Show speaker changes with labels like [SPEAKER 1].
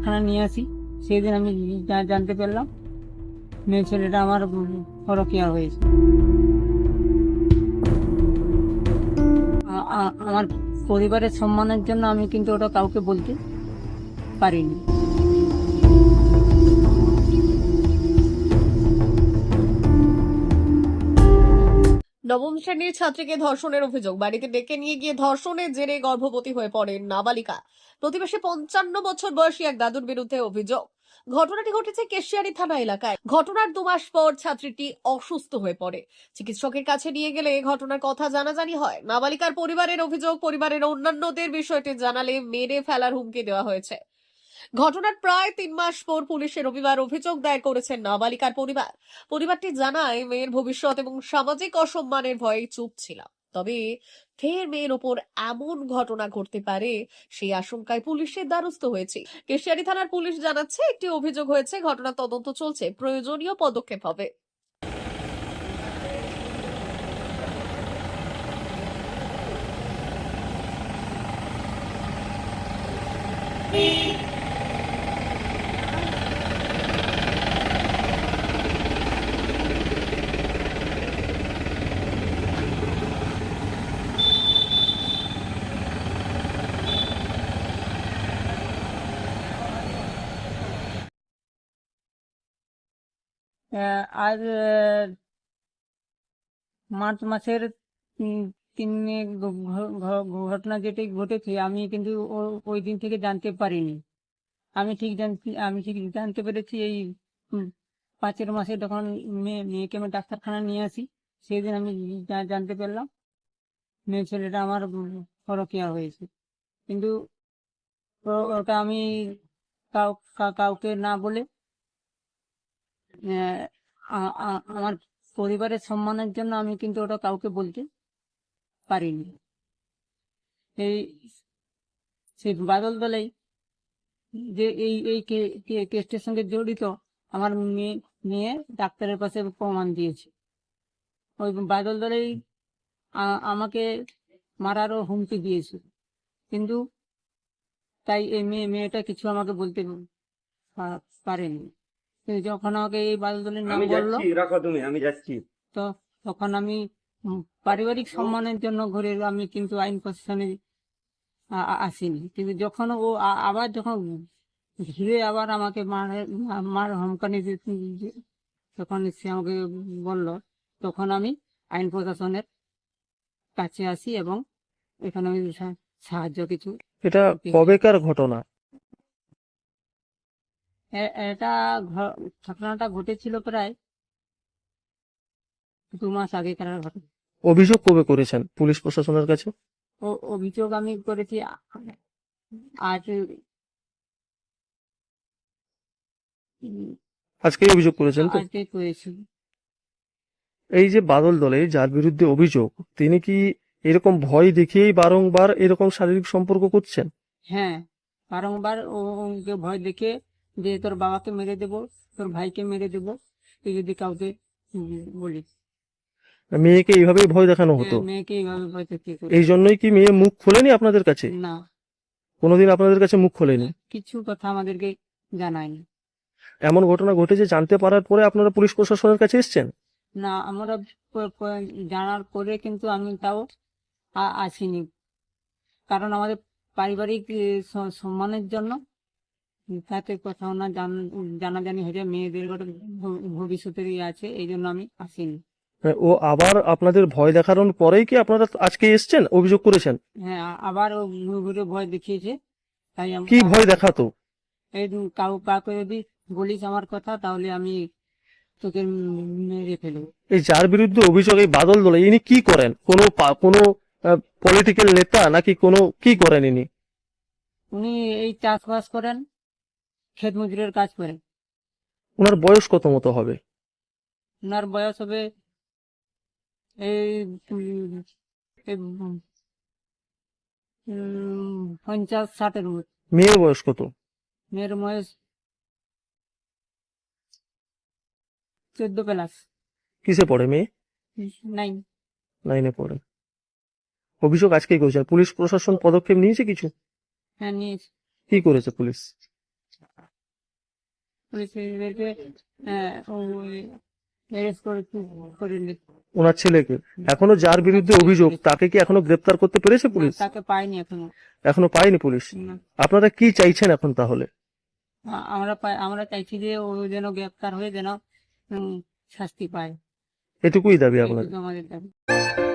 [SPEAKER 1] ডাক্তারখানা নিয়ে আসি, সেই দিন আমি জানতে পারলাম মেয়ে ছেলেটা আমার পরকীয়া হয়েছে। আমার পরিবারের সম্মানের জন্য আমি কিন্তু ওটা কাউকে বলতে পারিনি।
[SPEAKER 2] নবম শ্রেণীর ছাত্রীকে ধর্ষণের অভিযোগ, বাড়িতে ডেকে নিয়ে গিয়ে ধর্ষণের জেরে গর্ভবতী হয়ে পড়েন নাবালিকা। প্রতিবেশী 55 বছর বয়সী এক দাদুর বিরুদ্ধে অভিযোগ। ঘটনাটি ঘটেছে কেশিয়ারি থানা এলাকায়। ঘটনার 2 মাস পর ছাত্রীটি অসুস্থ হয়ে পড়ে। চিকিৎসকের কাছে নিয়ে গেলে ঘটনার কথা জানাজানি হয়। নাবালিকার পরিবারের অভিযোগ, পরিবারের অন্যান্যদের বিষয়টি জানালে মেরে ফেলার হুমকি দেওয়া হয়েছে। ঘটনার প্রায় 3 মাস পর পুলিশে রবিবার অভিযোগ দায়ের করেছেন নাবালিকার পরিবার। পরিবারটি জানায়, মেয়ের ভবিষ্যৎ এবং সামাজিক অসম্মানের ভয়ে চুপ ছিলাম, তবে ফের মেয়ের ওপর এমন ঘটনা ঘটতে পারে সেই আশঙ্কায় পুলিশের দ্বারস্থ হয়েছে। কেশিয়ারি থানার পুলিশ জানাচ্ছে, একটি অভিযোগ হয়েছে, ঘটনা তদন্ত চলছে, প্রয়োজনীয় পদক্ষেপ হবে।
[SPEAKER 1] আজ মার্চ মাসের 3 ঘটনা যেটি ঘটেছে, আমি কিন্তু ওই দিন থেকে জানতে পারিনি। আমি ঠিক জানতে পেরেছি এই 5 মাসে, যখন মেয়েকে আমি ডাক্তারখানা নিয়ে আসি, সেই দিন আমি জানতে পারলাম মেয়ে ছেলেটা আমার পরকীয়া হয়েছে। কিন্তু ওটা আমি কাউকে না বলে আমার পরিবারের সম্মানের জন্য আমি কিন্তু ওটা কাউকে বলতে পারিনি। এই সেই বাদল দলেই যে এই কেসটির সঙ্গে জড়িত আমার মেয়ে ডাক্তারের পাশে প্রমাণ দিয়েছে। ওই বাদল দলেই আমাকে মারারও হুমকি দিয়েছে, কিন্তু তাই এই মেয়েটা কিছু আমাকে বলতে পারেনি। কিন্তু যখন আমাকে এই বাদল দলের নাম বললো,
[SPEAKER 3] রাখো তুমি, আমি যাচ্ছি,
[SPEAKER 1] তো তখন আমি পারিবারিক সম্মানের জন্য ঘুরে আমি কিন্তু আইন প্রশাসনে আসিনি। কিন্তু যখন ও আবার যখন ঘিরে আবার আমাকে মার হুমকানি যখন সে আমাকে বলল, তখন আমি আইন প্রশাসনের কাছে আসি এবং এখানে আমি সাহায্য কিছু।
[SPEAKER 4] এটা কবেকার ঘটনা?
[SPEAKER 1] এটা ঘটনাটা ঘটেছিল প্রায় 2 মাস আগেকার ঘটনা।
[SPEAKER 4] অভিযোগ কবে করেছেন পুলিশ প্রশাসনের কাছে?
[SPEAKER 1] অভিযোগ আমি করেছি আজ
[SPEAKER 4] আজকেই অভিযোগ করেছেন তো?
[SPEAKER 1] আজকে করেছি।
[SPEAKER 4] এই যে বাদল দলে যার বিরুদ্ধে অভিযোগ, তিনি কি এরকম ভয় দেখিয়েই বারংবার এরকম শারীরিক সম্পর্ক করছেন?
[SPEAKER 1] হ্যাঁ, বারংবার ওকে ভয় দেখে যে তোর বাবাকে মেরে দেবো, তোর ভাইকে মেরে দেবো, তুই যদি কাউকে বলিস।
[SPEAKER 4] মেয়েকে এইভাবেই ভয় দেখানো
[SPEAKER 1] হ্যাঁ,
[SPEAKER 4] হতো?
[SPEAKER 1] মেয়েকে এইভাবে ভয় দেখিয়ে করে।
[SPEAKER 4] এই জন্যই কি মেয়ে মুখ খোলেনি আপনাদের কাছে?
[SPEAKER 1] না,
[SPEAKER 4] কোনোদিন আপনাদের কাছে মুখ খোলেনি?
[SPEAKER 1] কিছু কথা আমাদেরকে জানায়নি।
[SPEAKER 4] এমন ঘটনা ঘটেছে জানতে পারার পরে আপনারা পুলিশ প্রশাসনের কাছে এসেছেন?
[SPEAKER 1] না, আমরা জানার পরে কিন্তু আমি তাও আসিনি, কারণ আমাদের পারিবারিক সম্মানের জন্য, তাতে কোথাও না জানাজানি হয়ে যায়, মেয়েদের ভবিষ্যতের আছে, এই জন্য আমি আসিনি।
[SPEAKER 4] ও আবার আপনাদের ভয় দেখানোর পরেই কি আপনারা আজকে এসেছেন, অভিযোগ করেছেন?
[SPEAKER 1] হ্যাঁ, আবার ও ঘুরে ভয় দেখিয়েছে, তাই
[SPEAKER 4] কি ভয় দেখাতো?
[SPEAKER 1] এই কাউকে যদি বলিস আমার কথা, তাহলে আমি তোকে মেরে ফেলবো।
[SPEAKER 4] এই যার বিরুদ্ধে অভিযোগ, এই বাদল দলে, ইনি কি করেন? কোনো পলিটিক্যাল নেতা নাকি কোনো কি করেন ইনি?
[SPEAKER 1] উনি এই চাষবাস করেন, ক্ষেত মজুরের কাজ করেন।
[SPEAKER 4] ওনার বয়স কত মতো হবে?
[SPEAKER 1] ওনার বয়স হবে এই 50-60-এর মধ্যে।
[SPEAKER 4] মেয়ের বয়স কত?
[SPEAKER 1] মেয়ের বয়স 14+।
[SPEAKER 4] কিসে পড়ে মেয়ে?
[SPEAKER 1] 9।
[SPEAKER 4] 9-এ পড়ে। অভিযোগ আজকেই করেছেন, পুলিশ প্রশাসন পদক্ষেপ নিয়েছে কিছু?
[SPEAKER 1] হ্যাঁ, নিয়েছি।
[SPEAKER 4] কি করেছে পুলিশ?
[SPEAKER 1] পুলিশকে অ্যারেস্ট করে
[SPEAKER 4] ওনার ছেলেকে এখনো যার বিরুদ্ধে অভিযোগ তাকে কি এখনো গ্রেপ্তার করতে পেরেছে পুলিশ?
[SPEAKER 1] তাকে পাইনি এখনো।
[SPEAKER 4] এখনো পায়নি পুলিশ।
[SPEAKER 1] না।
[SPEAKER 4] আপনারা কি চাইছেন এখন তাহলে?
[SPEAKER 1] আমরা চাইছি যে ও যেন গ্রেপ্তার হয়ে যেন শাস্তি পায়,
[SPEAKER 4] এটুকুই দাবি আপনার?
[SPEAKER 1] এইটুকু আমাদের দাবি।